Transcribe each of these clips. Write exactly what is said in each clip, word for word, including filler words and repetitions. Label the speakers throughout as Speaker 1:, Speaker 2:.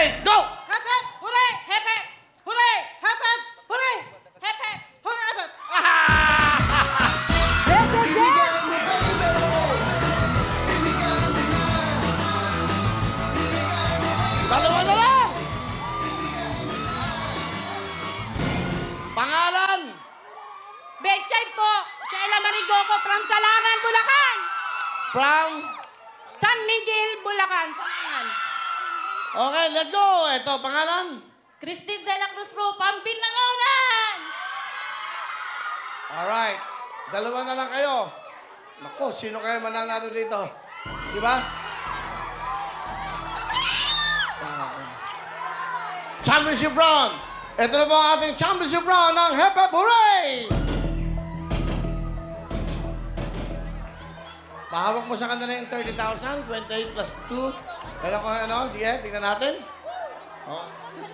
Speaker 1: Alright, go!
Speaker 2: Hep, hep!
Speaker 3: Hooray! Hep, hep! Hooray!
Speaker 2: Hep, hep! Hooray!
Speaker 3: Hep, hep!
Speaker 2: Hooray, hep, hep!
Speaker 4: This is it!
Speaker 1: Dalawa na lang! Pangalan!
Speaker 3: Betchay po! Sheila Marigoco from Salangan, Bulacan!
Speaker 1: From...
Speaker 3: San Miguel, Bulacan. Salangan.
Speaker 1: Okay, let's go! Ito, pangalan?
Speaker 3: Christine de la Cruz po, Pambilangonan!
Speaker 1: Alright. Dalawa na lang kayo. Naku, sino kayo mananalo dito? Di ba? Okay. Championship round! Ito na po ang ating championship round ng Hep Hep Hooray! Pahawak mo sa kanila yung thirty thousand, twenty-eight plus two. Ano ko ano? Sige, tingnan natin. Oh.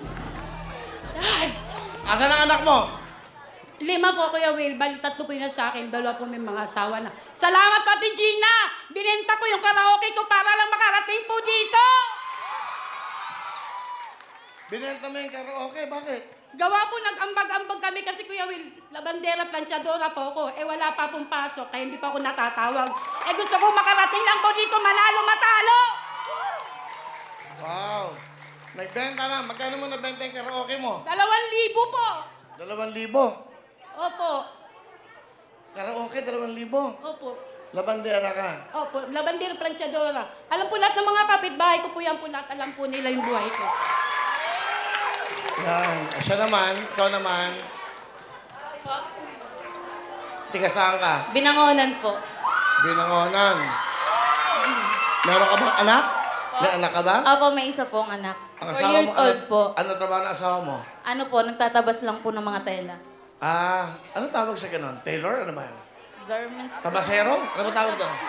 Speaker 1: Asan ang anak mo?
Speaker 3: Lima po, Kuya Will. Bali, tatlo po yun sa akin. Dalawa po may mga asawa na. Salamat, Pati Gina! Binenta ko yung karaoke ko para lang makarating po dito!
Speaker 1: Binenta mo yung karaoke, bakit?
Speaker 3: Gawa po, nag-ambag-ambag kami kasi, Kuya Will, labandera, planchadora po ako. Eh, wala pa pong pasok, kaya hindi pa ako natatawag. Eh, gusto ko makarating lang po dito, manalo, matalo!
Speaker 1: Wow! Nagbenta na. Magkano mo nabenta yung karaoke mo?
Speaker 3: Dalawang libo po!
Speaker 1: Dalawang libo.
Speaker 3: Opo.
Speaker 1: Karaoke, dalawang libo.
Speaker 3: Opo.
Speaker 1: Labandera ka.
Speaker 3: Opo, labandera, planchadora. Alam po lahat ng mga kapitbahay ko po yan po lahat. Alam po nila yung buhay ko.
Speaker 1: Yan. Siya naman, ikaw naman. Tiga saan ka?
Speaker 5: Binangonan po.
Speaker 1: Binangonan. Meron ka bang anak? May anak ka ba?
Speaker 5: Opo, may isa pong anak.
Speaker 1: Ang
Speaker 5: Four
Speaker 1: asawa
Speaker 5: years
Speaker 1: mo,
Speaker 5: old
Speaker 1: ano,
Speaker 5: po.
Speaker 1: Ano trabaho ng asawa mo?
Speaker 5: Ano po, nagtatabas lang po ng mga tela.
Speaker 1: Ah, ano tawag sa ganun? Tailor? Ano ba yun?
Speaker 5: Garments po.
Speaker 1: Tabasero? Ano ba tawag doon?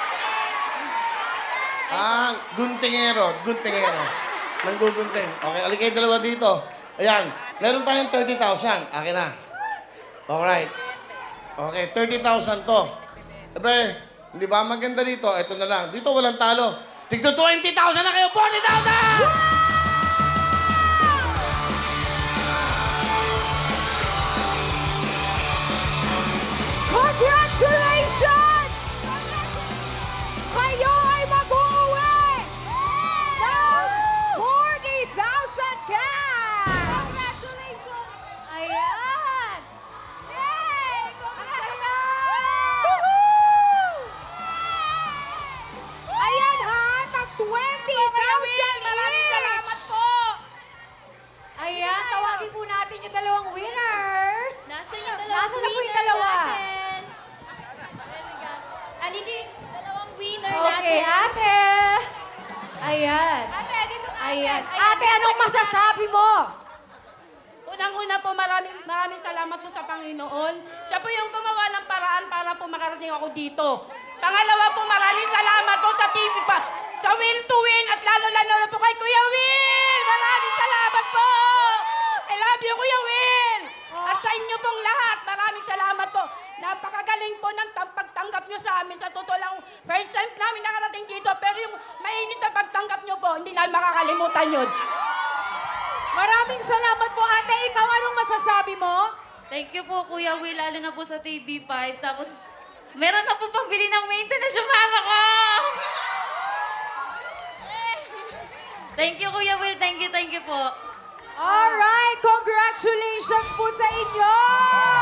Speaker 1: Ah, guntingero. Guntingero. Nanggugunting. Okay, alikay dalawa dito. Ayan, meron tayong thirty thousand. Akin na. Alright. Okay, thirty thousand to. Ebe, hindi ba maganda dito? Ito na lang. Dito walang talo. Tigto twenty thousand na kayo! forty thousand!
Speaker 4: Congratulations! Kayo ay mag-uwi ng forty thousand cash! Congratulations!
Speaker 5: Ayan!
Speaker 4: Yay! Congratulations! Ayan ha, tag twenty thousand
Speaker 3: Maraming salamat po!
Speaker 4: Ayan, tawagin po natin yung dalawang winners.
Speaker 5: Nasa yung
Speaker 4: Nasaan na po yung dalawa?
Speaker 5: Aliki, dalawang winner
Speaker 4: Okay, ate. Ayan.
Speaker 5: Ate, dito ka.
Speaker 4: Ayan. Ate, anong masasabi mo?
Speaker 3: Unang-una po, maraming, maraming salamat po sa Panginoon. Siya po yung gumawa ng paraan para po makarating ako dito. Pangalawa po, maraming salamat po sa T V pa, sa Will to Win, at lalo-lalo po kay Kuya Will! Maraming salamat po! I love you, Kuya Will! At sa inyo pong lahat, maraming salamat po. Napakagaling po ng tam- pagtanggap nyo sa amin. Sa totoo lang, first time namin nakarating dito, pero yung mainit na pagtanggap nyo po, hindi namin makakalimutan yun.
Speaker 4: Maraming salamat po, ate. Ikaw, anong masasabi mo?
Speaker 5: Thank you po, Kuya Will, lalo na po sa T V five. Tapos, meron na po pambili ng maintenance yung mama ko! Thank you, Kuya Will. Thank you, thank you po.
Speaker 4: Alright, congratulations po sa inyo!